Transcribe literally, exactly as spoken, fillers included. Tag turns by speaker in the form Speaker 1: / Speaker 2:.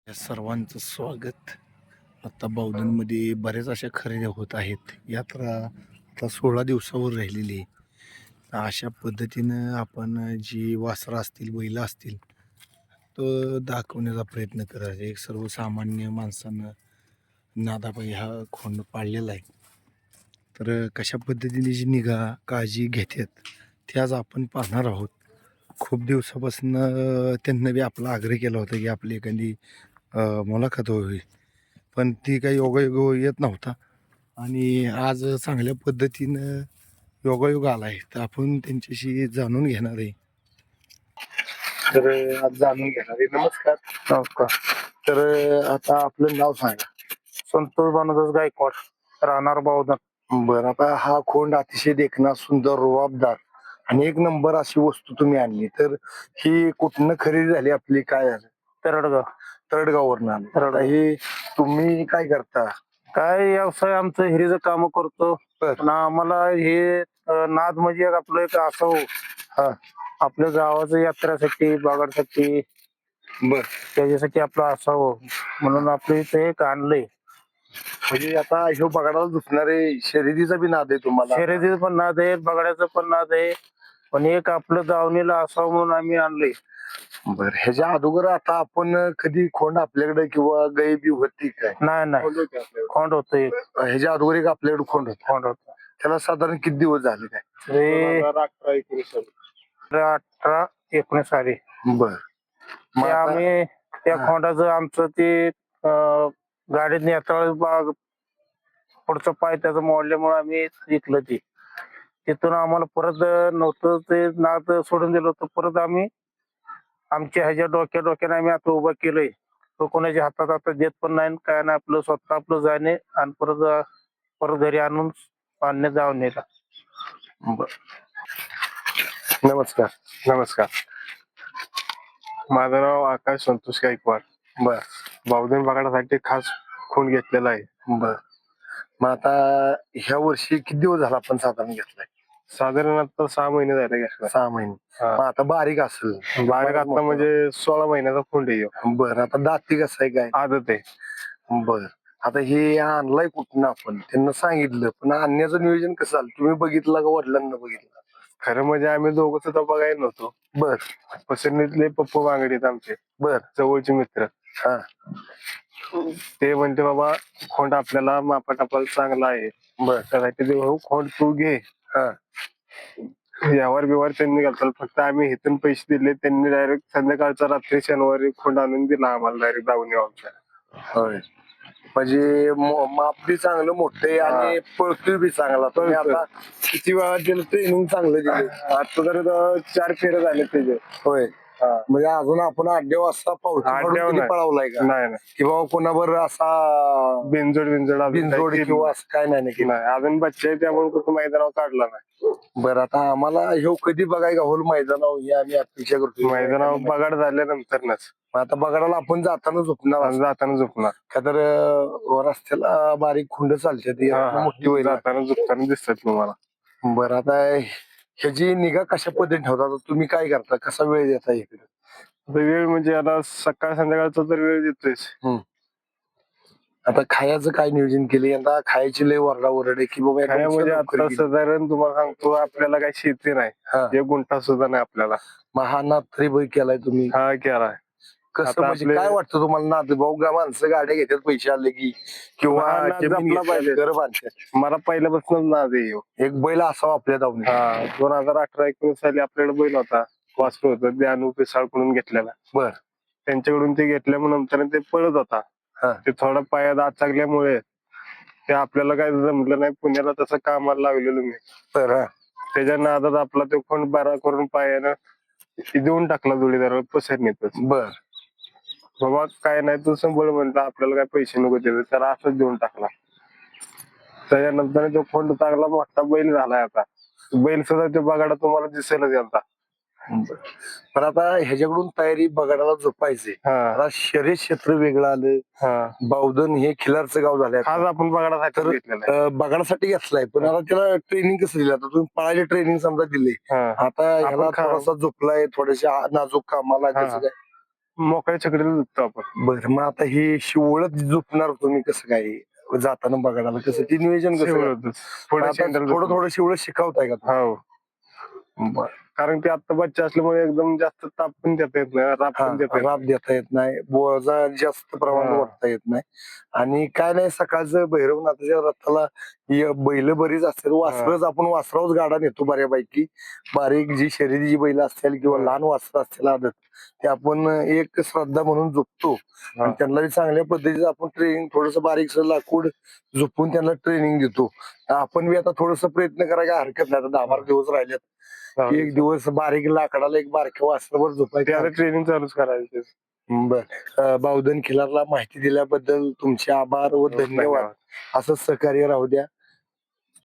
Speaker 1: या सर्वांचं स्वागत. आता बावधनमध्ये बऱ्याच अशा खरेदी होत आहेत. यात्रा आता सोळा दिवसावर राहिलेली आहे. तर अशा पद्धतीनं आपण जी वासरं असतील, बैलं असतील, तो दाखवण्याचा प्रयत्न करायचा. एक सर्वसामान्य माणसानं नादाबाई हा खोंड पाळलेला आहे. तर कशा पद्धतीने जी निगा काळजी घेतात ते आज आपण पाहणार आहोत. खूप दिवसापासून त्यांना बी आपला आग्रह केला होता की आपली एखादी अ, मुलाखत व्हावी, पण ती काही योगायोग येत नव्हता आणि आज चांगल्या पद्धतीनं योगायोग आला आहे. तर आपण त्यांच्याशी जाणून घेणार आहे. तर आज जाणून घेणार आहे. नमस्कार.
Speaker 2: नमस्कार.
Speaker 1: तर आता आपलं नाव सांगा.
Speaker 2: संतोष भानुदास गायकवाड, राहणार बावधन.
Speaker 1: बरं, आता हा खोंड अतिशय देखणा, सुंदर, रुबाबदार आणि एक नंबर अशी वस्तू तुम्ही आणली. तर ही कुठनं खरेदी झाली आपली, काय झालं?
Speaker 2: तरडगाव.
Speaker 1: तरडगाववरनं आणली.
Speaker 2: तरडगाव.
Speaker 1: आता हे तुम्ही काय करता?
Speaker 2: काय व्यवसाय आमचं हिरीचं काम करतो.
Speaker 1: बर.
Speaker 2: पण आम्हाला हे अ, नाद म्हणजे एक आपलं एक असं
Speaker 1: हा.
Speaker 2: आपल्या गावाचं यात्रेसाठी बागासाठी
Speaker 1: बर.
Speaker 2: त्याच्यासाठी आपलं असावं म्हणून आपलं इथे एक आणलंय.
Speaker 1: म्हणजे आता ह्यो बगाडाला दुखणारे शर्यतीचा बी नाद आहे तुम्हाला?
Speaker 2: शर्यतीचं पण नाद आहे, बगड्याचं पण नाद आहे, पण एक आपलं दावणीला असावं म्हणून आम्ही आणलंय.
Speaker 1: बर. ह्याच्या अगोदर आता आपण कधी खोंड आपल्याकडे किंवा गाय बी होती काय?
Speaker 2: नाही नाही खोंड होत एक.
Speaker 1: ह्याच्या अगोदर एक आपल्याकडे खोंड होता.
Speaker 2: खोंड होत
Speaker 1: त्याला साधारण किती दिवस झाले काय?
Speaker 2: ते
Speaker 1: अठरा एकोणीस
Speaker 2: अठरा एकोणीस साली
Speaker 1: बर. मग
Speaker 2: ते
Speaker 1: आता-
Speaker 2: आम्ही त्या
Speaker 1: हा.
Speaker 2: खोंडाचं आमचं ते अं, गाडीत नेता बाग पुढचं पाय त्याचं मोडल्यामुळे आम्ही विकलं ते. तिथून आम्हाला परत नव्हतं ते नाद सोडून दिलं होतं. परत आम्ही आमच्या ह्याच्या डोक्या डोक्याने आम्ही आता उभं केलंय. तो कोणाच्या हातात आता देत पण नाही काय नाही, आपलं स्वतः आपलं जाणे आणि परत परत घरी आणून आणणे जाऊन नेला.
Speaker 1: बर. नमस्कार.
Speaker 3: नमस्कार. माझं नाव आकाश संतोष गायकवाड.
Speaker 1: बर.
Speaker 3: बावधन बगाडासाठी खास खून घेतलेला आहे.
Speaker 1: बर. मग आता ह्या वर्षी किती दिवस झाला आपण साधारण घेतलाय?
Speaker 3: साधारण आता सहा महिने झाले घेतला.
Speaker 1: सहा महिने.
Speaker 3: हा.
Speaker 1: मग आता बारीक असेल?
Speaker 3: बारीक आता म्हणजे सोळा महिन्याचा खूंड आहे ह्यो.
Speaker 1: बर. आता दाती कसं आहे काय?
Speaker 3: आदत आहे.
Speaker 1: बर. आता हे आणलाय कुठून आपण? त्यांना सांगितलं, पण आणण्याचं नियोजन कसं झालं? तुम्ही बघितलं का वडिलांना बघितलं?
Speaker 3: खरं म्हणजे आम्ही दोघं सुद्धा बघायला नव्हतो.
Speaker 1: बर.
Speaker 3: पसरणीतले पप्पू बांगडे आहेत आमचे
Speaker 1: बर.
Speaker 3: जवळचे मित्र.
Speaker 1: हा.
Speaker 3: ते म्हणते बाबा खोंड आपल्याला मापाटापाला चांगला आहे.
Speaker 1: बर.
Speaker 3: त्यासाठी ते भाऊ खोंड तू घे.
Speaker 1: हा.
Speaker 3: यावर बिवार त्यांनी घालतात. फक्त आम्ही इथून पैसे दिले, त्यांनी डायरेक्ट संध्याकाळचा रात्री शनिवारी खोंड आणून दिला आम्हाला डायरेक्ट दावणी आमच्या.
Speaker 1: होय. म्हणजे मो- माप बी चांगलं मोठे आणि पळतोय बी चांगला. तुम्ही
Speaker 3: पळतोय.
Speaker 1: आता किती वेळा दिलं ट्रेनिंग चांगलं दिलं?
Speaker 3: आता तर चार फेरे झाले त्याचे.
Speaker 1: होय.
Speaker 3: हा.
Speaker 1: म्हणजे अजून आपण आठ दिवस असा पाऊस
Speaker 3: आड्यावर नाही.
Speaker 1: पळवलाय का?
Speaker 3: नाही नाही
Speaker 1: किंवा कोणावर असा
Speaker 3: बिनजोड बिनजोड अजून
Speaker 1: बिनजोड
Speaker 3: काही
Speaker 1: किंवा असं काय नाही ना केलं?
Speaker 3: नाही. अजून बच्चे आहे त्यामुळे कुठं मैदानावर काढला नाही.
Speaker 1: बरं. आता आम्हाला ह्यो कधी बघाय का होल मैदानावर हे आम्ही अपेक्षा करतो.
Speaker 3: मैदानावर बगाड झाल्यानंतरच
Speaker 1: आता बघायला आपण जाताना झोपणार
Speaker 3: आणि जाताना झोपणार.
Speaker 1: का तर अं, रस्त्याला बारीक खुंड चालते ती
Speaker 3: हा, हा.
Speaker 1: मोठी होईल.
Speaker 3: जाताना झोपताना दिसतात तुम्हाला.
Speaker 1: बरं. आता ह्याची निगा कशा पद्धतीने ठेवता? आता तुम्ही काय करता? कसा वेळ देता इकडे?
Speaker 3: आता वेळ म्हणजे आता सकाळ संध्याकाळचा तर वेळ देतोयच.
Speaker 1: आता खायचं काय नियोजन केले? आता खायची लय वरडा ओरड आहे की बाबा
Speaker 3: काय
Speaker 1: एकदम
Speaker 3: म्हणजे
Speaker 1: लवकर
Speaker 3: आता
Speaker 1: गेली.
Speaker 3: साधारण तुम्हाला सांगतो आपल्याला काही शेती नाही.
Speaker 1: हा.
Speaker 3: एक गुंठा सुद्धा नाही आपल्याला.
Speaker 1: मग हा नाद तरी बघ केलाय तुम्ही.
Speaker 3: हा केलाय.
Speaker 1: कसं
Speaker 3: आता
Speaker 1: म्हणजे
Speaker 3: आपले-
Speaker 1: काय वाटतं तुम्हाला? नाद भाऊ गा माणसं गाड्या घेतात पैसे आले की किंवा
Speaker 3: हा, नाद
Speaker 1: जमीन
Speaker 3: जपला
Speaker 1: घेतात,
Speaker 3: पाहिजे.
Speaker 1: घरं बांधतात.
Speaker 3: मला पहिल्यापासून नाद आहे ह्यो.
Speaker 1: एक बैल असावा आपल्या दावणीत.
Speaker 3: हा. दोन हजार अठरा एकोणीस साली आपल्याकडे बैल होता, वासरू होतं, ते अनु पिसाळकडून घेतलेला.
Speaker 1: बर.
Speaker 3: त्यांच्याकडून ते घेतल्यामुळे नंतर ते पळत होता.
Speaker 1: हा.
Speaker 3: ते थोडा पायात आचागल्यामुळे ते आपल्याला काय जमलं नाही. पुण्याला तसं कामाला लागलेलो मी.
Speaker 1: तर हा.
Speaker 3: त्याच्या नादात आपला तो खोंड बारा करून पायानं देऊन टाकला जोडीदार पसरणीतच.
Speaker 1: बर.
Speaker 3: बाबा काय नाही तू संभळ म्हणला, आपल्याला काय पैसे नको देत, त्याला असंच देऊन टाकला. त्याच्यानंतर तो खोंड चांगला मोठा बैल झालाय. आता बैल सुद्धा तो बगाडा तुम्हाला दिसेलच आता.
Speaker 1: पण आता ह्याच्याकडून तयारी बगाडाला झोपायचे.
Speaker 3: हा.
Speaker 1: आता शर्यत क्षेत्र वेगळं आलं.
Speaker 3: हा.
Speaker 1: बावधन हे खिलारचं गाव झालंय.
Speaker 3: आज आपण बगाडासाठी
Speaker 1: तर
Speaker 3: घेतलेला आहे.
Speaker 1: अं, बगाडासाठी घेतलाय, पण आता त्याला ट्रेनिंग कसं दिलं? आता तुम्ही पळायला ट्रेनिंग समजा दिले,
Speaker 3: हा.
Speaker 1: आता ह्याला
Speaker 3: आपण खा-
Speaker 1: थोडासा झोपलाय, थोडेसे नाजूक कामाला
Speaker 3: हा.
Speaker 1: कसं काय?
Speaker 3: मोकळ्या छकडीला जातो आपण.
Speaker 1: बरं मग आता हे शिवळत झोपणार तुम्ही कसं काय जाताना बघायला आलं? कसं ते नियोजन कसं काय?
Speaker 3: शेवटच पुढे
Speaker 1: आता
Speaker 3: शेंडल
Speaker 1: थोडं थोडं शिवळत शिकवताय का
Speaker 3: हो
Speaker 1: बरं.
Speaker 3: कारण ते आता बच्चा असल्यामुळे एकदम जास्त ताप पण देता येत नाही, राब
Speaker 1: हा,
Speaker 3: पण देता येत
Speaker 1: राब देता येत नाही, बोजा जास्त प्रमाणात
Speaker 3: हा.
Speaker 1: वाटता येत नाही. आणि काय नाही सकाळचं भैरवनाथाच्या रथाला य- बैल बरीच असतात, वासरच आपण वासरावच गाडा नेतो बऱ्यापैकी. बारीक जी शर्यतीची बैल असतील किंवा
Speaker 3: हा.
Speaker 1: लहान वासर असतील आदत ते आपण एक श्रद्धा म्हणून झोपतो आणि त्यांना बी चांगल्या पद्धतीचं आपण ट्रेनिंग थोडस बारीक लाकूड झोपून त्यांना ट्रेनिंग देतो. आपण बी आता थोडस प्रयत्न करायला हरकत नाही. आता दहा बारा दिवस राहिलेत, एक दिवस बारीक लाकडाला एक बारक्या वासरावर झोपायचं.
Speaker 3: ट्रेनिंग चालूच करायचे.
Speaker 1: बर बावधन खिलारला माहिती दिल्याबद्दल तुमचे आभार व धन्यवाद. असं सहकार्य राहू द्या.